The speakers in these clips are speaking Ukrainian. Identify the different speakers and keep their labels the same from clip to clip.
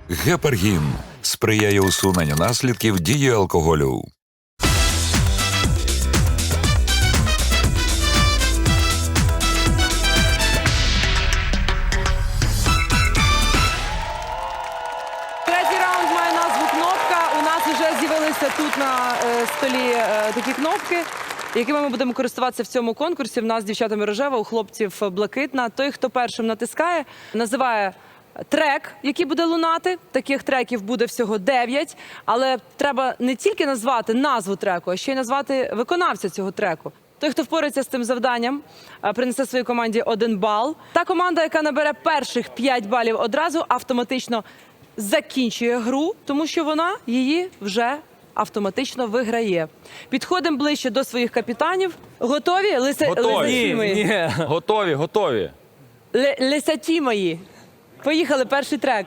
Speaker 1: Гепаргін сприяє усуненню наслідків дії алкоголю.
Speaker 2: Третій раунд має назву «Кнопка». У нас вже з'явилися тут на столі такі кнопки, якими ми будемо користуватися в цьому конкурсі. В нас з дівчатами рожева, у хлопців блакитна. Той, хто першим натискає, називає трек, який буде лунати. Таких треків буде всього 9. Але треба не тільки назвати назву треку, а ще й назвати виконавця цього треку. Той, хто впорається з цим завданням, принесе своїй команді 1 бал. Та команда, яка набере перших 5 балів одразу, автоматично закінчує гру, тому що вона її вже автоматично виграє. Підходимо ближче до своїх капітанів. Готові?
Speaker 3: Готові.
Speaker 2: Ні.
Speaker 3: Готові.
Speaker 2: Лисаті мої. Поїхали, перший трек.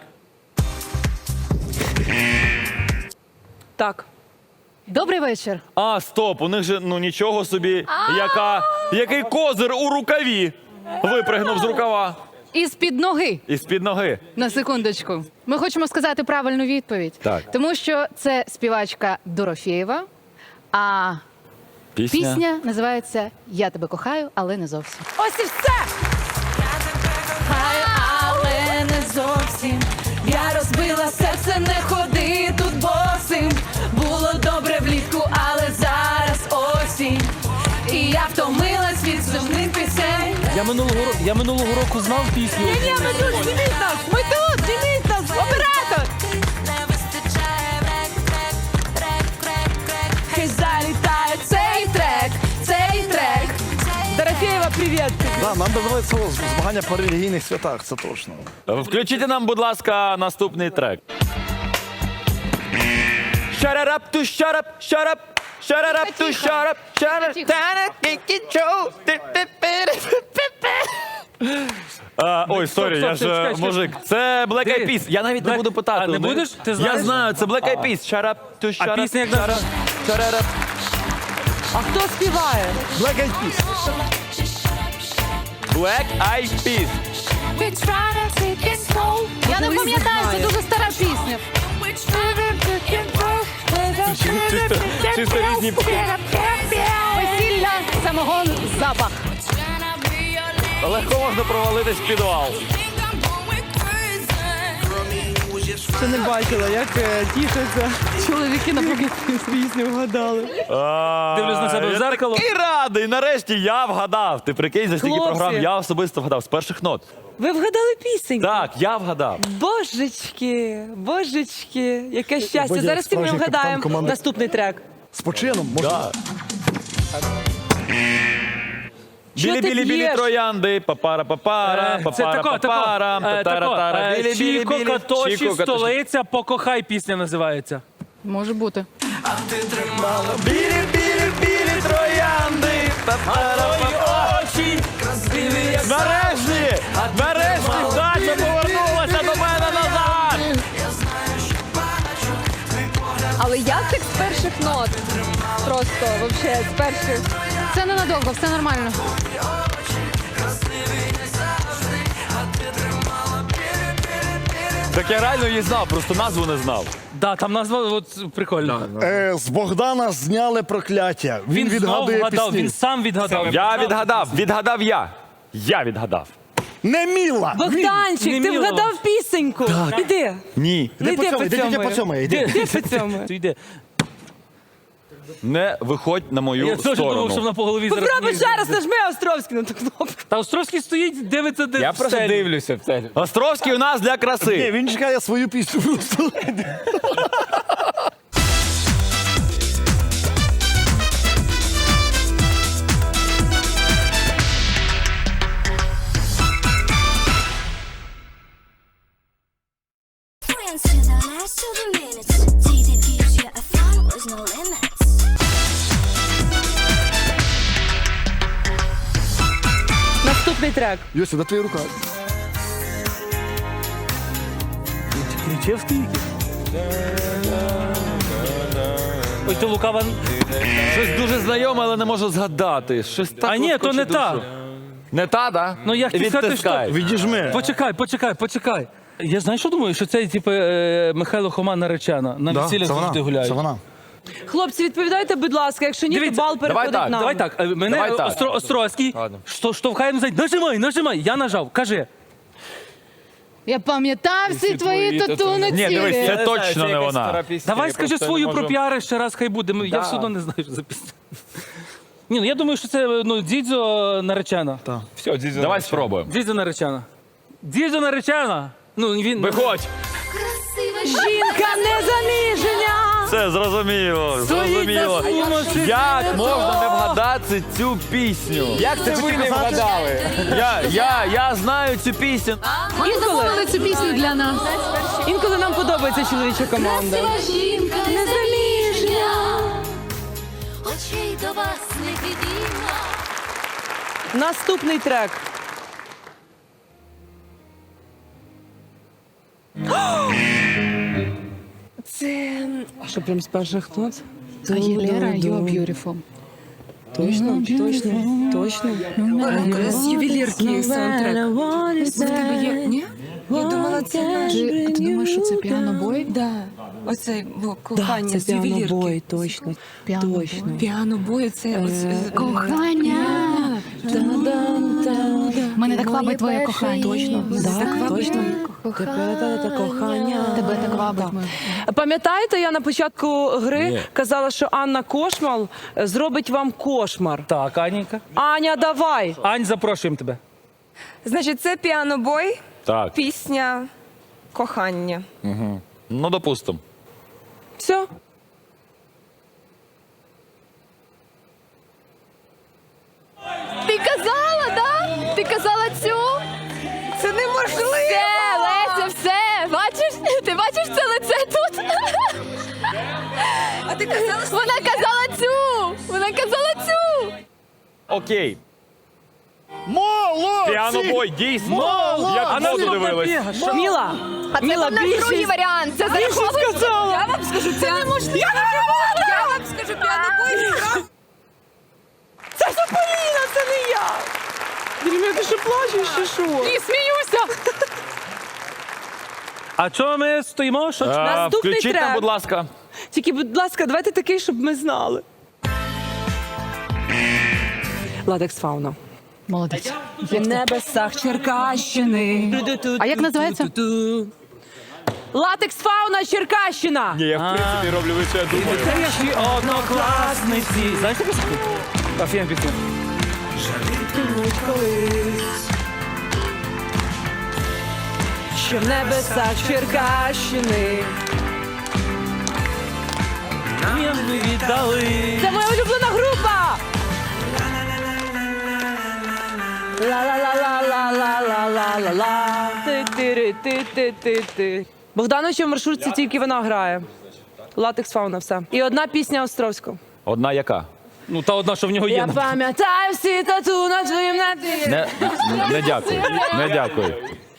Speaker 2: Так.
Speaker 4: Добрий вечір.
Speaker 3: А, стоп, у них же, ну нічого собі, який козир у рукаві. Випригнув з рукава.
Speaker 4: Із-під ноги.
Speaker 3: Із-під ноги.
Speaker 4: На секундочку. Ми хочемо сказати правильну відповідь.
Speaker 3: Так.
Speaker 4: Тому що це співачка Дорофєєва, а пісня називається «Я тебе кохаю, але не зовсім».
Speaker 2: Ось і все!
Speaker 4: Кохаю, але не зовсім. Я розбила серце, не ходи тут босим. Було добре влітку, але зараз осінь. І я втомилась від сумних пісень.
Speaker 5: Я минулого року знав пісню.
Speaker 2: Ні, ми тут, зніміть нас! Ми тут, зніміть нас! Оператор!
Speaker 4: Хай залітає цей трек.
Speaker 2: Дорофєєва, привіт!
Speaker 6: Да, нам довелося змагання по релігійних святах, це точно.
Speaker 3: Включіть нам, будь ласка, наступний трек. Shut it up to shut up, shut up. Shut it up to shut up, shut up. Ой, сорі, я ж
Speaker 5: чекай.
Speaker 3: мужик. Це Black Eyed Peas. Я навіть не буду питати.
Speaker 5: А, не
Speaker 3: у них.
Speaker 5: будеш? Ти
Speaker 3: Я
Speaker 5: знаєш?
Speaker 3: знаю, це Black Eyed Peas. Shut up to shut up.
Speaker 5: пісня як
Speaker 3: shut up,
Speaker 5: називається?
Speaker 3: shut it up.
Speaker 2: А хто співає?
Speaker 6: Black Eyed Peas.
Speaker 3: Black Eyed Peas.
Speaker 4: Я не пам'ятаю, це дуже стара пісня.
Speaker 3: Чисто різні
Speaker 4: Весілля, самогон, запах.
Speaker 3: Легко можна провалитись в підвал.
Speaker 2: Ще не бачила, як тішаться.
Speaker 4: Чоловіки на
Speaker 2: Пісню вгадали.
Speaker 5: Дивлюсь на себе в зеркало.
Speaker 3: І радий, нарешті я вгадав. Ти прикинь, за стільки
Speaker 2: Хлопці.
Speaker 3: програм я особисто вгадав. З перших нот.
Speaker 2: Ви вгадали пісеньку?
Speaker 3: Так, я вгадав.
Speaker 2: Божечки, яке щастя.
Speaker 6: Бодя,
Speaker 2: Зараз і ми
Speaker 6: справжній капітан
Speaker 2: вгадаємо
Speaker 6: команди.
Speaker 2: наступний трек.
Speaker 6: З почином, може.
Speaker 3: Да.
Speaker 2: Чого ти
Speaker 3: Білі-білі-білі
Speaker 2: б'єш?
Speaker 3: троянди, папара-папара,
Speaker 5: Це тако.
Speaker 3: папара-папара, татара-тара,
Speaker 5: Чіко
Speaker 3: білі-білі-білі.
Speaker 5: Катоші,
Speaker 3: Чіко Катоші.
Speaker 5: столиця, покохай пісня називається.
Speaker 4: Може бути.
Speaker 3: Білі-білі-білі троянди, папара-папара. Нарешті! Нарешті Даша повернулася до мене назад!
Speaker 7: Але як так з перших нот? Просто, вообще, з перших.
Speaker 4: Це ненадовго, все нормально.
Speaker 3: Так я реально її знав, просто назву не знав.
Speaker 5: Да, там назва от, прикольна.
Speaker 6: З Богдана зняли прокляття. Він
Speaker 5: знов
Speaker 6: відгадує
Speaker 5: вгадав,
Speaker 6: пісні.
Speaker 5: він сам відгадав.
Speaker 3: Я відгадав я. Я відгадав.
Speaker 6: Не Міла!
Speaker 2: Богданчик,
Speaker 5: не
Speaker 2: ти
Speaker 5: міло.
Speaker 2: вгадав пісеньку? Іди.
Speaker 3: Ні.
Speaker 2: Не
Speaker 6: Іди по цьому, по цьому, йди.
Speaker 2: Іди по цьому.
Speaker 5: Ти йди.
Speaker 3: Не виходь на мою
Speaker 5: Я теж думав, що
Speaker 3: сторону.
Speaker 5: вона по голові зараз.
Speaker 2: Попробуй
Speaker 5: мені
Speaker 2: ще раз,
Speaker 5: зробить.
Speaker 2: нажми Островський на ту кнопку.
Speaker 5: Та Островський стоїть, дивиться, де
Speaker 8: Я
Speaker 5: в
Speaker 8: просто
Speaker 5: стелі.
Speaker 8: дивлюся в це.
Speaker 3: Островський у нас для
Speaker 6: Ні,
Speaker 3: краси.
Speaker 6: він чекає свою пісню просто.
Speaker 9: Friends to the last of the minutes. Dated gives you a fun with no limits.
Speaker 2: Наступний трек.
Speaker 6: Йося, де твоя рука?
Speaker 5: Ключевський якийсь? Ой, ти лукава.
Speaker 3: Щось дуже знайоме, але не можу згадати. Щось так
Speaker 5: А ні,
Speaker 3: от
Speaker 5: то
Speaker 3: хоче
Speaker 5: не
Speaker 3: душу.
Speaker 5: та.
Speaker 3: Не та, да?
Speaker 5: Ну, я хотів сказати,
Speaker 3: Відтискай.
Speaker 5: що-
Speaker 6: Відіжми.
Speaker 5: Почекай. Я знаю, що думаю, що це типу Михайло Хома наречена. На
Speaker 6: Да,
Speaker 5: весіллях
Speaker 6: це
Speaker 5: завжди
Speaker 6: вона.
Speaker 5: гуляють.
Speaker 6: Це вона.
Speaker 2: Хлопці, відповідайте, будь ласка, якщо ні, то
Speaker 5: Дивіться,
Speaker 2: бал переходить
Speaker 3: так,
Speaker 2: нам.
Speaker 5: Давай так, мене
Speaker 3: Давай так.
Speaker 5: Острозький штовхає назад. Нажимай, я нажав. Кажи.
Speaker 7: Я пам'ятаю всі твої тату на
Speaker 3: Ні, дивись,
Speaker 7: тілі.
Speaker 3: це точно не вона.
Speaker 5: Давай скажи свою про піари ще раз, хай буде. Я все одно не знаю, що за пісня. Ні, ну я думаю, що це Дідзо наречена.
Speaker 3: Все, давай спробуємо.
Speaker 5: Дідзо наречена. Дідзо наречена. Ну, він...
Speaker 3: Виходь.
Speaker 2: Жінка незаміження!
Speaker 3: Все, зрозуміло. Зрозуміло. Як можна не вгадати цю пісню? Як це ви не вгадали? Я знаю цю пісню.
Speaker 7: Вони замовили цю пісню для нас.
Speaker 2: Інколи нам подобається чоловіча команда.
Speaker 9: Жінка незаміжня, очей до вас не підійма.
Speaker 2: Наступний трек. Це... А що, прям з перших нот?
Speaker 7: Агілера, You are beautiful.
Speaker 2: Точно?
Speaker 8: З ювелірки саундтрек. В тебе є? Ні? Я думала, це наш.
Speaker 7: А ти думаєш, що це піанобой?
Speaker 8: Да. Оце кохання з ювелірки.
Speaker 2: точно.
Speaker 7: Піанобой.
Speaker 8: Піанобой, це
Speaker 7: Кохання. Мене так вабить твоє кохання.
Speaker 2: Точно.
Speaker 7: Точно.
Speaker 2: Кохання.
Speaker 7: Тебе так вабить моє.
Speaker 2: Пам'ятаєте, я на початку гри казала, що Анна Кошмал зробить вам кошмар.
Speaker 5: Так, Анінька.
Speaker 2: Аня, давай!
Speaker 5: Ань, запрошуємо тебе.
Speaker 8: Значить, це піанобой,
Speaker 3: Так,
Speaker 8: пісня кохання.
Speaker 3: ну допустим.
Speaker 2: Все.
Speaker 7: Ти казала, да? Ти казала цю?
Speaker 8: Це неможливо!
Speaker 7: Все, Леся, все. Бачиш? Ти бачиш це лице тут?
Speaker 8: А ти казала, що
Speaker 7: Вона казала цю. Вона казала цю.
Speaker 3: Окей.
Speaker 6: Молодці!
Speaker 3: Піанобой, дійсно.
Speaker 6: Молодці!
Speaker 3: Як в воду дивились.
Speaker 2: Міла,
Speaker 7: А це
Speaker 2: Міла,
Speaker 7: був наш другий
Speaker 2: більшість.
Speaker 7: варіант. Це зараховується.
Speaker 8: я вам скажу, це неможливо. Я вам скажу, піанобой.
Speaker 2: Це Сополіна, це не я. Дім'я, ти що плачеш, чи що?
Speaker 7: Ні, сміюся.
Speaker 5: А чого ми стоїмо? Що?
Speaker 2: Наступний
Speaker 3: Включіть нам,
Speaker 2: трек.
Speaker 3: будь ласка.
Speaker 2: Тільки, будь ласка, давайте такий, щоб ми знали. Ладекс Фауна.
Speaker 7: Молодець.
Speaker 2: В небесах Черкащини.
Speaker 7: А як називається?
Speaker 2: Латекс Фауна Черкащина.
Speaker 3: Ні, я в принципі роблю ви, що я думаю.
Speaker 5: Наші однокласниці. Знаєш таку пісню? Офігенна пісня.
Speaker 2: Що в небесах Черкащини.
Speaker 5: Нам ми віддали.
Speaker 2: Це моя улюблена група. Ла-ла-ла-ла-ла-ла-ла-ла-ла. Ти-ти-ри-ти-ти-ти-ти. Богдановича в маршрутці тільки вона грає. Латекс Фауна, все. І одна пісня Островського.
Speaker 3: Одна яка?
Speaker 5: Ну, та одна, що в нього є.
Speaker 2: Я пам'ятаю всі тату на твоїм наті.
Speaker 3: Не дякую. Не дякую.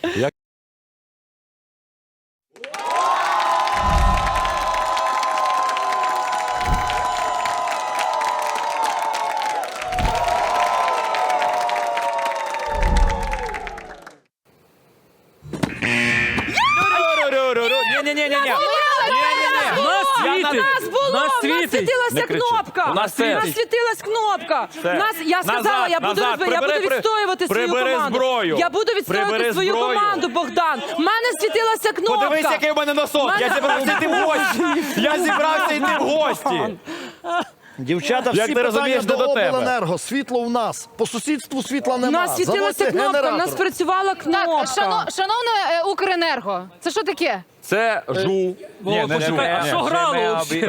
Speaker 3: Ні-ні-ні-ні.
Speaker 5: Нас світить.
Speaker 2: Нас було,
Speaker 5: Нас
Speaker 2: в нас
Speaker 5: світить.
Speaker 2: світилася
Speaker 3: Не кричи.
Speaker 2: кнопка.
Speaker 3: У нас
Speaker 2: У
Speaker 3: світить.
Speaker 2: нас світилась кнопка.
Speaker 3: Все.
Speaker 2: Я сказала, я буду відстоювати свою
Speaker 3: Прибери
Speaker 2: команду.
Speaker 3: зброю.
Speaker 2: Я буду відстоювати
Speaker 3: Прибери
Speaker 2: свою
Speaker 3: зброю.
Speaker 2: команду, Богдан. У мене світилася кнопка.
Speaker 3: Подивись, який у мене носок. Я зібрався йти в гості. Я зібрався йти в гості.
Speaker 6: Дівчата,
Speaker 3: Як
Speaker 6: всі
Speaker 3: ти
Speaker 6: питання
Speaker 3: розумієш,
Speaker 6: до
Speaker 3: не до тебе.
Speaker 6: обленерго. Світло в нас. По сусідству світла
Speaker 2: У
Speaker 6: нема.
Speaker 2: нас світилася
Speaker 6: Заводьте
Speaker 2: кнопка, у нас
Speaker 6: генератор.
Speaker 2: працювала кнопка.
Speaker 7: Так, шановне Укренерго, це що таке?
Speaker 3: Це жу. Ні,
Speaker 5: почекай, а що грало взагалі?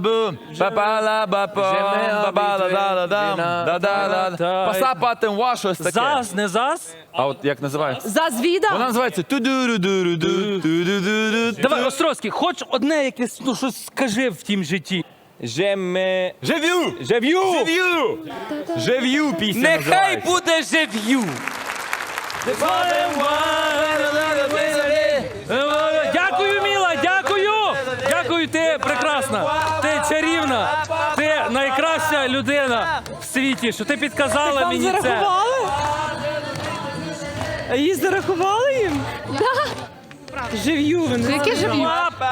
Speaker 3: Посапатим ваш щось таке.
Speaker 5: Зас, не зас?
Speaker 3: А от як називається?
Speaker 2: Зазвіда?
Speaker 3: Вона називається ту-ду-ду-ду-ду-ду-ду-ду.
Speaker 5: Давай, Островський, хоч одне якесь, ну щось скажи в тім житті.
Speaker 3: Жив'ю!
Speaker 5: Жив'ю!
Speaker 3: Жив'ю пісня
Speaker 5: Нехай
Speaker 3: називається.
Speaker 5: буде жив'ю! Дякую, Міла, дякую! Дякую, ти прекрасна, ти чарівна, ти найкраща людина в світі, що ти підказала
Speaker 2: Вам
Speaker 5: мені це.
Speaker 2: зарахували? А її зарахували їм? Жив'ю.
Speaker 7: Яке жив'ю?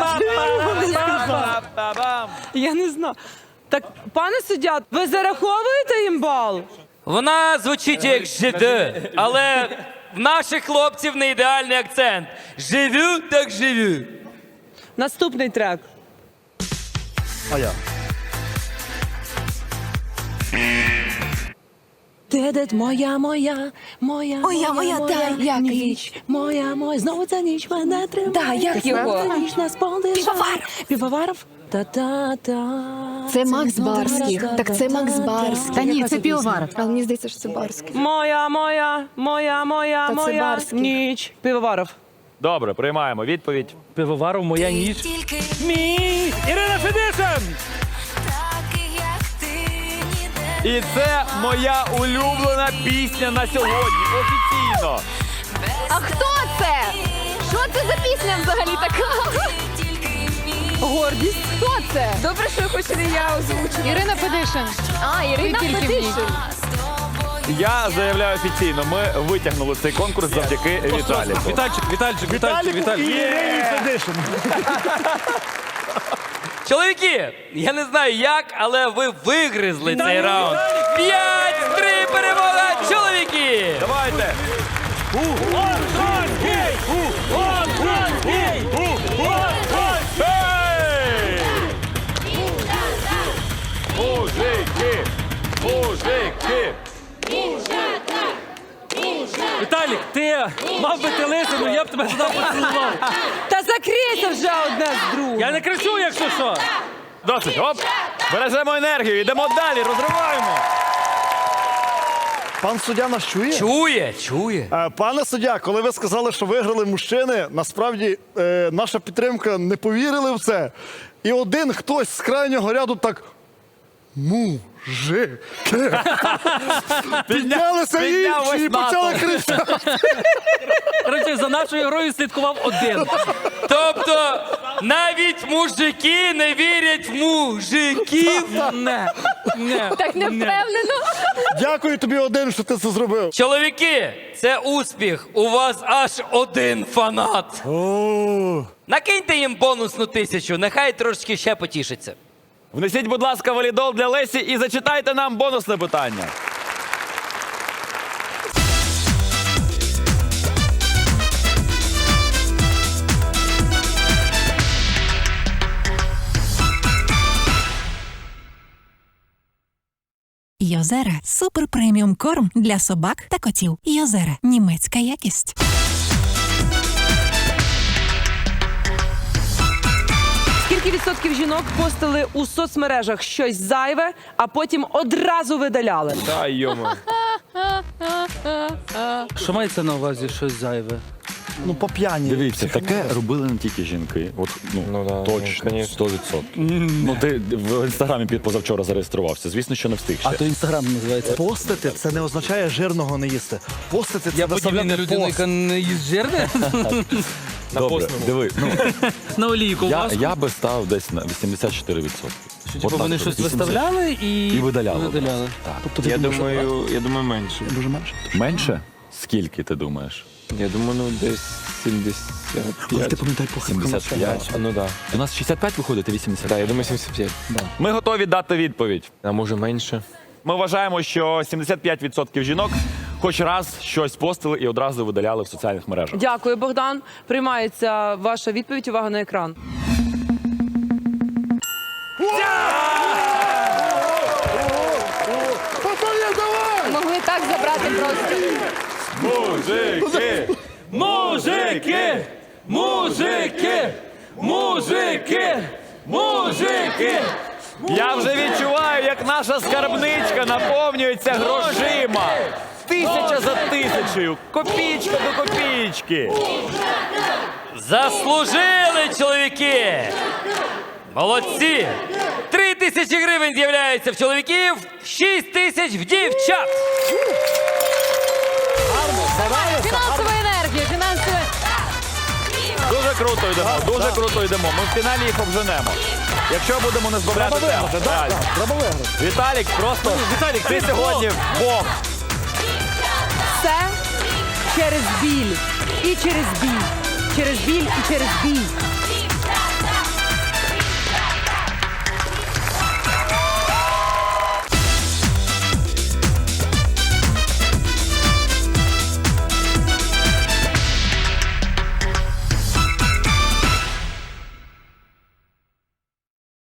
Speaker 2: Я не знаю. Так, пане суддя, ви зараховуєте їм бал?
Speaker 3: Вона звучить як ЖД, але в наших хлопців не ідеальний акцент. Живю, так живю.
Speaker 2: Наступний трек.
Speaker 6: А я.
Speaker 2: Ти моя, моя, моя,
Speaker 8: моя, дай, як
Speaker 2: ніч, моя, знову ця ніч мене тримає.
Speaker 8: Да, як його?
Speaker 2: Ця ніч нас
Speaker 8: Півоваров.
Speaker 2: Півоваров? Та-та-та.
Speaker 7: Це Макс Барських. Так це Макс Барських.
Speaker 8: Та ні, це Півоваров.
Speaker 7: Але мені здається, що це Барських.
Speaker 2: Моя, моя, моя, моя,
Speaker 7: Та це
Speaker 2: моя
Speaker 7: Барських.
Speaker 2: ніч. Півоваров.
Speaker 3: Добре, приймаємо відповідь.
Speaker 5: Пивоваров, моя ніч.
Speaker 9: Тільки
Speaker 5: Мій! Ірина Федишин!
Speaker 9: такий, як ти, ніде.
Speaker 3: І це моя улюблена пісня на сьогодні. Офіційно.
Speaker 7: А хто це? Що це за пісня взагалі така?
Speaker 2: Гордість.
Speaker 7: Хто це? Добре, що хоч не я озвучила. Ірина Федишин. А, Ірина Федишин.
Speaker 3: Я заявляю офіційно, ми витягнули цей конкурс завдяки Віталіку.
Speaker 5: Вітальчик.
Speaker 6: Ірині Федишин.
Speaker 3: Чоловіки, я не знаю як, але ви вигризли цей раунд. 5-3 перемога чоловіки! Давайте. Ей! Мужики! Мужики!
Speaker 5: Віталік, ти мав би ти лисину, я б тебе туди поцілував.
Speaker 2: Та закрийся вже одне з другим.
Speaker 5: Я не кричу, якщо що.
Speaker 3: Досить, оп! Бережемо енергію, йдемо далі, розриваємо.
Speaker 6: Пан суддя нас чує?
Speaker 3: Чує.
Speaker 6: Пане суддя, коли ви сказали, що виграли мужчини, насправді наша підтримка не повірили в це. І один хтось з крайнього ряду так мужики. Піднялися
Speaker 3: підняв
Speaker 6: інші і
Speaker 3: весь натовп.
Speaker 6: почали кричати.
Speaker 5: Коротше, за нашою грою слідкував один.
Speaker 3: Тобто навіть мужики не вірять в мужиків.
Speaker 5: Не.
Speaker 7: Так не впевнено.
Speaker 6: Дякую тобі один, що ти це зробив.
Speaker 3: Чоловіки, це успіх. У вас аж один фанат. Накиньте їм бонусну 1000, нехай трошки ще потішиться. Внесіть, будь ласка, валідол для Лесі і зачитайте нам бонусне питання.
Speaker 10: Йозера – супер преміум корм для собак та котів. Йозера – німецька якість.
Speaker 2: Скільки відсотків жінок постили у соцмережах щось зайве, а потім одразу видаляли?
Speaker 3: Та йому.
Speaker 5: Що мається на увазі щось зайве?
Speaker 6: Ну, по п'яні.
Speaker 11: Дивіться, таке робили не тільки жінки. От, точно, 100%. Ну, ти в інстаграмі позавчора зареєструвався. Звісно, що не встиг ще.
Speaker 6: А то інстаграм називається. Постити це не означає жирного не їсти. Постити це
Speaker 5: Я подібний на
Speaker 6: виставляти
Speaker 5: людину,
Speaker 6: пост.
Speaker 5: яка не їсть жирне.
Speaker 11: Добре, диви, ну,
Speaker 5: На олійку вас.
Speaker 11: я би став десь на 84%.
Speaker 5: Типу вони щось виставляли
Speaker 11: І видаляли.
Speaker 6: Тобто, ти думаєш,
Speaker 12: Я думаю, менше.
Speaker 6: дуже менше.
Speaker 11: Менше? Скільки ти думаєш?
Speaker 12: Я думаю, ну десь 75.
Speaker 6: Але ти пам'ятай по
Speaker 11: 75?
Speaker 12: Ну да.
Speaker 11: У нас 65 виходить, а 80?
Speaker 12: Так, я думаю, 75.
Speaker 3: Ми готові дати відповідь.
Speaker 12: А може менше.
Speaker 3: Ми вважаємо, що 75% жінок хоч раз щось постили і одразу видаляли в соціальних мережах.
Speaker 2: Дякую, Богдан. Приймається ваша відповідь. Увага на екран.
Speaker 7: Могли так забрати просто.
Speaker 3: Мужики!
Speaker 5: Мужики! Мужики! Мужики! Мужики!
Speaker 3: Я вже відчуваю, як наша скарбничка наповнюється грошима. 1000 за 1000, копійка до копійки. Заслужили, чоловіки! Молодці! 3000 гривень з'являється в чоловіків, 6000 в дівчат.
Speaker 7: Фінансова енергія, фінансова.
Speaker 3: Дуже круто йдемо, дуже круто йдемо. Ми в фіналі їх обженемо. Якщо будемо не збавляти темп. Реально.
Speaker 6: Треба виграти.
Speaker 3: Віталік, просто ти сьогодні Бог.
Speaker 2: Все через біль і через бій. через біль і через бій.